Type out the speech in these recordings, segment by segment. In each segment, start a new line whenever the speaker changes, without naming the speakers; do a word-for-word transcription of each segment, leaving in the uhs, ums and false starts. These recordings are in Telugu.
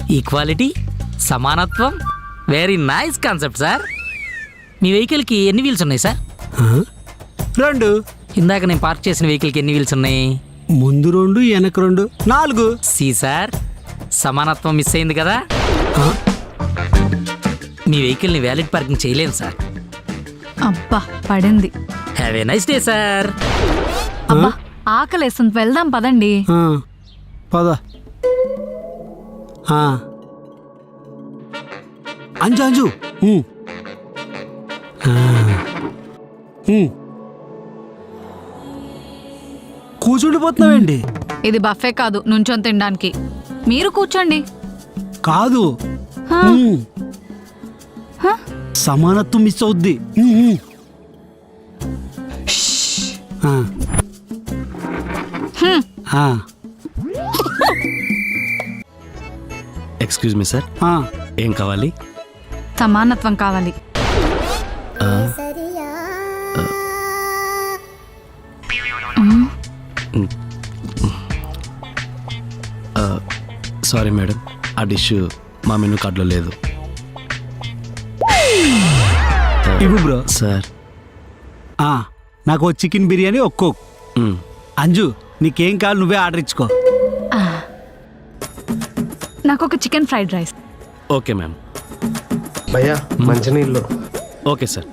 ఈక్వాలిటీ, సమానత్వం, వెరీ నైస్ కాన్సెప్ట్ సార్. మీ వెహికల్కి ఎన్ని వీల్స్ ఉన్నాయి సార్?
రెండు.
ఇందాక నేను పార్క్ చేసిన వెహికల్కి ఎన్ని వీల్స్ ఉన్నాయి?
ముందు రెండు, వెనక రెండు, నాలుగు.
సి సార్, సమానత్వం మిస్ అయింది కదా. మీ వెహికల్ని వ్యాలిడ్ పార్కింగ్ చేయలేను సార్.
అబ్బా పడింది.
Have a nice day sir.
అబ్బా ఆకలేస్తుంది, వెళ్దాం పదండి.
పద. అంజు అంజు కూర్చుండిపోతున్నావేంటి?
ఇది బఫే కాదు, నుంచొని తినడానికి. మీరు కూర్చోండి.
కాదు,
హా?
ఉమ్.
హా?
సమానత్వం మిస్ అవుద్ది. ఉమ్, ఉమ్. ఆ.
హ్మ్.
ఆ.
ఎక్స్క్యూజ్ మీ సార్,
ఆ.
ఏం కావాలి?
సమానత్వం కావాలి.
సారీ మేడం, ఆ డిష్ మా మెనూ కార్డులో లేదు.
ఇవ్వు బ్రో.
సార్
ఆ, నాకు చికెన్ బిర్యానీ ఒక్కో.
మ్,
అంజు నీకేం కావాలి నువ్వే ఆర్డర్ ఇచ్చుకో.
నాకు ఒక chicken fried rice.
Okay ma'am.
భయ్యా మంచినీళ్ళు.
Okay sir.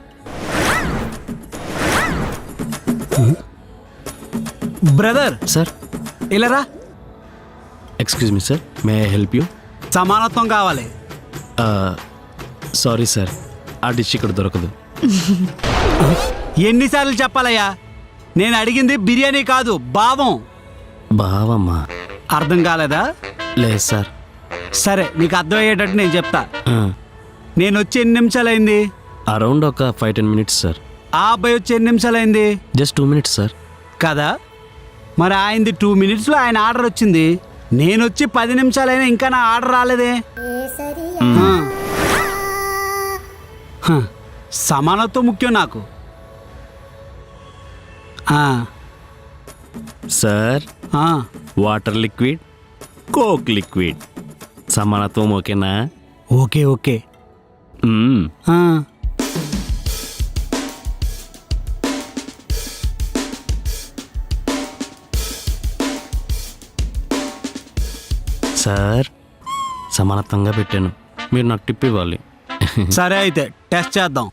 బ్రదర్
సార్
ఇలారా.
Excuse me sir, may I help you?
సమానత్వం కావాలి.
సారీ సార్, ఆ డిష్ ఇక్కడ దొరకదు.
ఎన్నిసార్లు చెప్పాలయ్యా? నేను అడిగింది బిర్యానీ కాదు, భావం.
బావమ్మా.
అర్థం కాలేదా?
లేదు సార్.
సరే నీకు అర్థమయ్యేటట్టు నేను చెప్తా.
ఆ,
నేను వచ్చి ఎన్ని నిమిషాలైంది?
అరౌండ్ ఒక ఫైవ్ టెన్ మినిట్స్ సార్.
ఆ అబ్బాయి వచ్చి ఎన్ని నిమిషాలైంది?
Just two minutes sir.
కదా, మరి ఆయనది టూ మినిట్స్లో ఆయన ఆర్డర్ వచ్చింది. నేను వచ్చి పది నిమిషాలైనా ఇంకా నా ఆర్డర్ రాలేదే. ఆ. హ, సమానత్వం ముఖ్యం నాకు. ఆ.
సార్,
ఆ.
వాటర్ లిక్విడ్, కోక్ లిక్విడ్, సమానత్వం ఓకేనా?
Okay okay.
మ్మ్.
ఆ.
సార్, సమానత్వంగా పెట్టాను, మీరు నాకు టిప్ ఇవ్వాలి.
సరే అయితే టెస్ట్ చేద్దాం.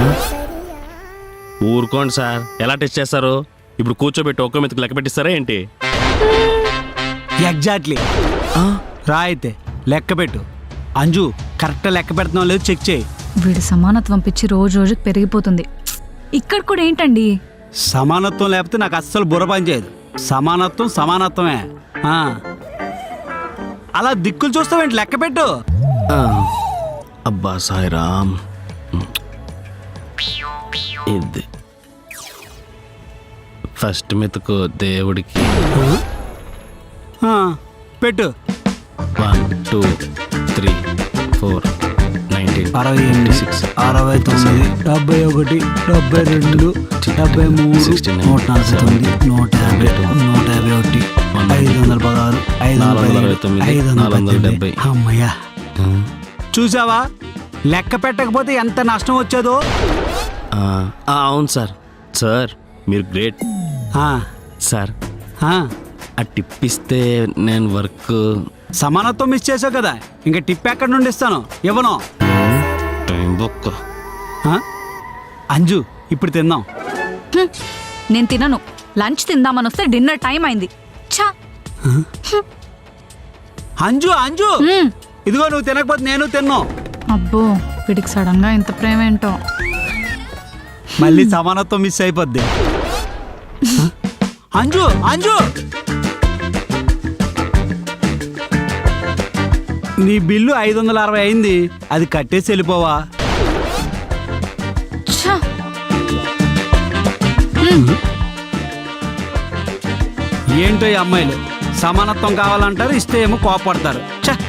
ఊరుకోండి సార్, ఎలా టెస్ట్ చేస్తారు? ఇప్పుడు కూర్చోబెట్టి ఒక్క మెతుకు లెక్క పెట్టిస్తారా ఏంటి?
ఎగ్జాక్ట్లీ. రా అయితే లెక్క పెట్టు. అంజు కరెక్ట్ లెక్క పెడుతున్నావు లేదు చెక్ చేయి.
వీడి సమానత్వం పిచ్చి రోజు రోజుకి పెరిగిపోతుంది. ఇక్కడ కూడా ఏంటండి?
సమానత్వం లేకపోతే నాకు అస్సలు బుర్ర పని చేయదు. సమానత్వం సమానత్వమే. ఆ. అలా దిక్కులు చూస్తావేంటి? లెక్క పెట్టు.
ఆ, అబ్బా సాయిరామ్. ఇది ఫస్ట్ మెతుకు దేవుడికి.
ఆ, పెట్టు.
One two three four nineteen
అరవై ఎనిమిది
సిక్స్
అరవై తొమ్మిది డెబ్బై ఒకటి డెబ్బై రెండు డెబ్బై మూడు నూట నలభై తొమ్మిది నూట యాభై నూట యాభై ఒకటి ఐదు వందల పదహారు ఐదు వందల అరవై తొమ్మిది ఐదు వందల డెబ్బై. అమ్మయ్యా, చూసావా లెక్క పెట్టకపోతే ఎంత నష్టం వచ్చేదో.
అవును సార్. సార్ మీరు గ్రేట్.
ఆ,
సార్,
ఆ.
ఆ టిప్ ఇస్తే నేను వర్క్.
సమానత్వం మిస్ చేసావు కదా, ఇంకా టిప్ ఎక్కడి నుండి ఇస్తాను? ఇవ్వను.
టైం బొక్క.
ఆ? అంజు ఇప్పుడు తిందాం.
హ్మ్. నేను తినను. లంచ్ తిందామని వస్తే డిన్నర్ టైం అయింది. ఛా.
అంజు అంజు
హ్మ్.
ఇదిగో నువ్వు తినకపోతే నేను తిన్నావు.
అబ్బో వీడికి సడన్ గా ఇంత ప్రేమ ఏంటో.
మళ్ళీ సమానత్వం మిస్ అయిపోద్ది. అంజు అంజు నీ బిల్లు ఐదు వందల అరవై అయింది, అది కట్టేసి వెళ్ళిపోవా?
ఛా. హ్మ్.
ఏంటో ఈ అమ్మాయిలు సమానత్వం కావాలంటారు, ఇస్తే ఏమో కోపడతారు. ఛ.